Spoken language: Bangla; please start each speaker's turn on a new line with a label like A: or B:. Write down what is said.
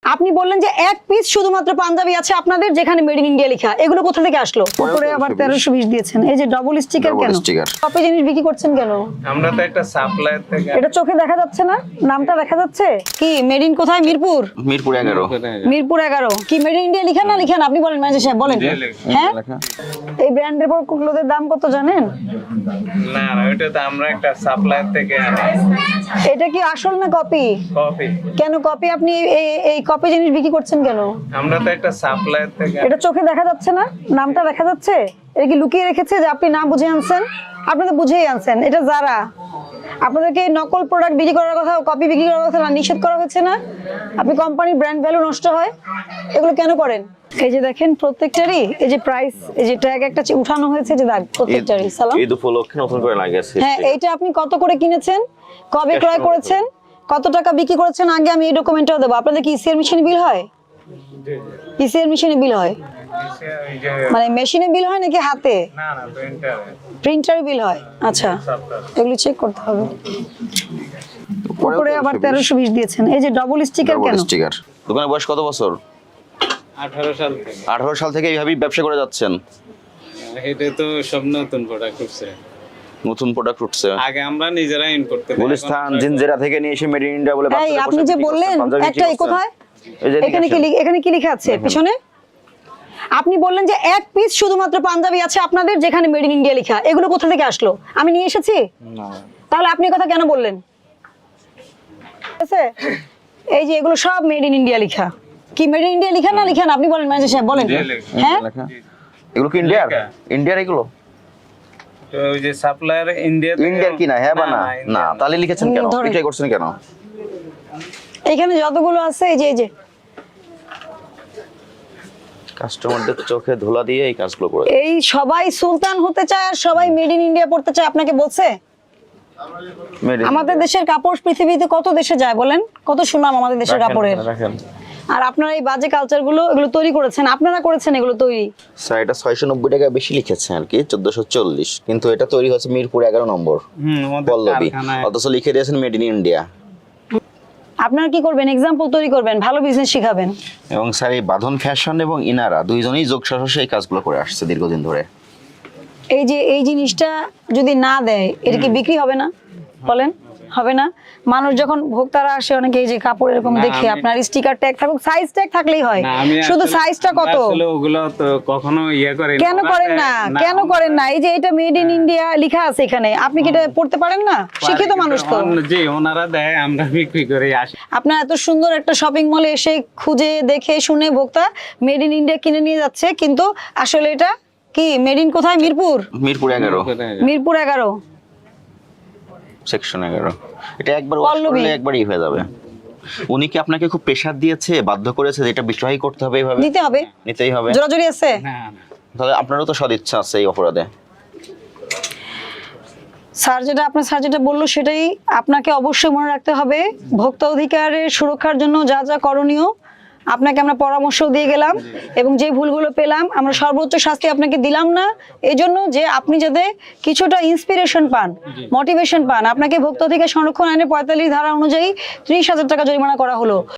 A: আপনি বললেন যে এক পিস শুধুমাত্র পাঞ্জাবি আছে আপনাদের যেখানে মেড ইন ইন্ডিয়া লেখা, এগুলো কোথা থেকে আসলো? উপরে আবার 1320 দিয়েছেন। এই যে ডবল স্টিকার কেন? কপি জিনিস বিক্রি করছেন কেন?
B: আমরা তো একটা সাপ্লায়ার থেকে।
A: এটা চোখে দেখা যাচ্ছে না? নামটা দেখা যাচ্ছে কি? মেড ইন কোথায়? মিরপুর।
C: মিরপুর 11।
A: মিরপুর 11 কি মেড ইন ইন্ডিয়া লেখা না লেখা? আপনি বলেন ম্যানেজার সাহেব বলেন। হ্যাঁ, এই ব্র্যান্ডের ক্লোথের দাম কত জানেন?
B: না না, ওটা তো আমরা একটা সাপ্লায়ার থেকে আনি।
A: এটা কি আসল না কপি?
B: কপি।
A: কেন কপি? আপনি এই কপি জিনিস বিক্রি করছেন কেন?
B: আমরা তো একটা সাপ্লায়ার থেকে।
A: এটা চোখে দেখা যাচ্ছে না? নামটা দেখা যাচ্ছে? এটা কি লুকিয়ে রেখেছে যে আপনি না বুঝে আনছেন? আপনি তো বুঝেই আনছেন। এটা যারা আপনাদেরকে নকল প্রোডাক্ট বিক্রি করার কথা, কপি বিক্রি করার কথা না নিষেধ করা হচ্ছে না? আপনি কোম্পানির ব্র্যান্ড ভ্যালু নষ্ট হয়, এগুলো কেন করেন? এই যে দেখেন প্রত্যেকটারই এই যে প্রাইস, এই যে ট্যাগ একটা উঠানো হয়েছে যে দাগ প্রত্যেকটারই। সালাম।
C: ঈদ উপলক্ষে নতুন করে লাগিয়েছে।
A: হ্যাঁ, এইটা আপনি কত করে কিনেছেন, কবে ক্রয় করেছেন, কত টাকা বিক্রি করেছেন, আগে আমি এই ডকুমেন্টটাও দেবো। আপনাদের কি ইসিআর মেশিনে বিল হয়? ইসিআর মেশিনে বিল হয় মানে মেশিনে বিল হয় নাকি হাতে?
B: না না, প্রিন্টারে।
A: প্রিন্টারে বিল হয়। আচ্ছা, এগুলো চেক করতে হবে। উপরে আবার 1320 দিয়েছেন। এই যে ডবল স্টিকার কেন?
C: স্টিকার। দোকানের বয়স কত বছর?
B: 18 সাল থেকে।
C: 18 সাল থেকে এইভাবেই ব্যবসা করে যাচ্ছেন?
B: এটা তো সব নতুন প্রোডাক্ট উঠছে।
C: নতুন প্রোডাক্ট উঠছে।
B: আগে আমরা নিজেরা ইম্পোর্ট করতে।
C: গুলিস্তান জিনজেরা থেকে নিয়ে এসে মেড ইন ইন্ডিয়া বলে
A: এই আপনি যে বললেন একটা এই কোথায়? এখানে কি লেখা আছে পিছনে? আপনি বললেন যে এক পিস শুধুমাত্র পাঞ্জাবি আছে আপনাদের যেখানে মেড ইন ইন্ডিয়া লেখা, এগুলো কোথা থেকে আসলো? আমি নিয়ে এসেছি?
B: না।
A: তাহলে আপনি কথা কেন বললেন? ঠিক আছে, এই যে এগুলো সব মেড ইন ইন্ডিয়া লেখা। কি মেড ইন ইন্ডিয়া লেখা না লেখা? আপনি বলেন ম্যানেজার সাহেব বলেন। হ্যাঁ,
C: এগুলো কি ইন্ডিয়ার? ইন্ডিয়ার এগুলো?
B: তো ওই যে সাপ্লায়ার
C: ইন্ডিয়ার কি না? হ্যাঁ বা না? না, তাহলে লিখেছেন কেন?
A: ধরেন।
C: বিক্রি করছেন কেন?
A: এখানে যতগুলো আছে এই যে
C: কাস্টমারদের চোখে ধুলা দিয়ে এই কাজগুলো করে।
A: এই সবাই সুলতান হতে চায় আর সবাই মেড ইন ইন্ডিয়া পড়তে চায়। আপনাকে বলছে? আমাদের দেশের কাপড় পৃথিবীতে কত দেশে যায় বলেন? কত সুনাম আমাদের দেশের কাপড়ের। আর আপনারা এই বাজে কালচার গুলো এগুলো তৈরি করেছেন, আপনারা করেছেন এগুলো তৈরি।
C: স্যার এটা 690 টাকা বেশি লিখেছে আর কি, 1440, কিন্তু এটা তৈরি হচ্ছে মিরপুর 11 নম্বর পল্লবী, অথচ লিখে দিয়েছেন মেড ইন ইন্ডিয়া।
A: আপনারা কি করবেন? এক্সাম্পল তৈরি করবেন, ভালো বিজনেস শিখাবেন।
C: এবং স্যার এই বাঁধন ফ্যাশন এবং ইনারা দুইজনেই যোগসাহসে এই কাজগুলো করে আসছে দীর্ঘদিন ধরে।
A: এই যে এই জিনিসটা যদি না দেয় এটা কি বিক্রি হবে না? বলেন, হবে না? মানুষ যখন ভোক্তারা আসে অনেকে এই যে কাপড় এরকম দেখে, আপনার স্টিকার ট্যাগ থাকুক, সাইজ ট্যাগ থাকলেই হয়, শুধু সাইজটা কত?
B: আসলে ওগুলো তো কখনো করে না।
A: কেন করেন না? কেন করেন না? এই যে এটা মেড ইন ইন্ডিয়া লেখা আছে এখানে, আপনি কি এটা পড়তে পারেন না? শিক্ষিত মানুষ তো।
B: জি, ওনারা দেয়, আমরা বিক্রি করে আসি।
A: আপনার এত সুন্দর একটা শপিং মলে এসে খুঁজে দেখে শুনে ভোক্তা মেড ইন ইন্ডিয়া কিনে নিয়ে যাচ্ছে, কিন্তু আসলে এটা কি মেড ইন কোথায়? মিরপুর।
C: মিরপুর 11।
A: মিরপুর 11
C: সেকশন 11। এটা একবার ওয়াশ করলে একবারই হয়ে যাবে। উনি কি আপনাকে খুব প্রেসার দিয়েছে, বাধ্য করেছে যে এটা বিক্রয় করতে হবে, এইভাবে
A: নিতে হবে,
C: নিতেই হবে?
A: জোরাজুরি আছে?
B: না না,
C: তাহলে আপনারও তো সদিচ্ছা আছে এই অপরাধে।
A: স্যার যেটা বললো সেটাই আপনাকে অবশ্যই মনে রাখতে হবে। ভোক্তা অধিকারের সুরক্ষার জন্য যা যা করণীয় আপনাকে আমরা পরামর্শ দিয়ে গেলাম, এবং যে ভুলগুলো পেলাম আমরা সর্বোচ্চ শাস্তি আপনাকে দিলাম না, এজন্য যে আপনি যাতে কিছুটা ইন্সপিরেশন পান, মোটিভেশন পান। আপনাকে ভোক্তা অধিকার সংরক্ষণ আইনের 45 ধারা অনুযায়ী 30,000 টাকা জরিমানা করা হলো।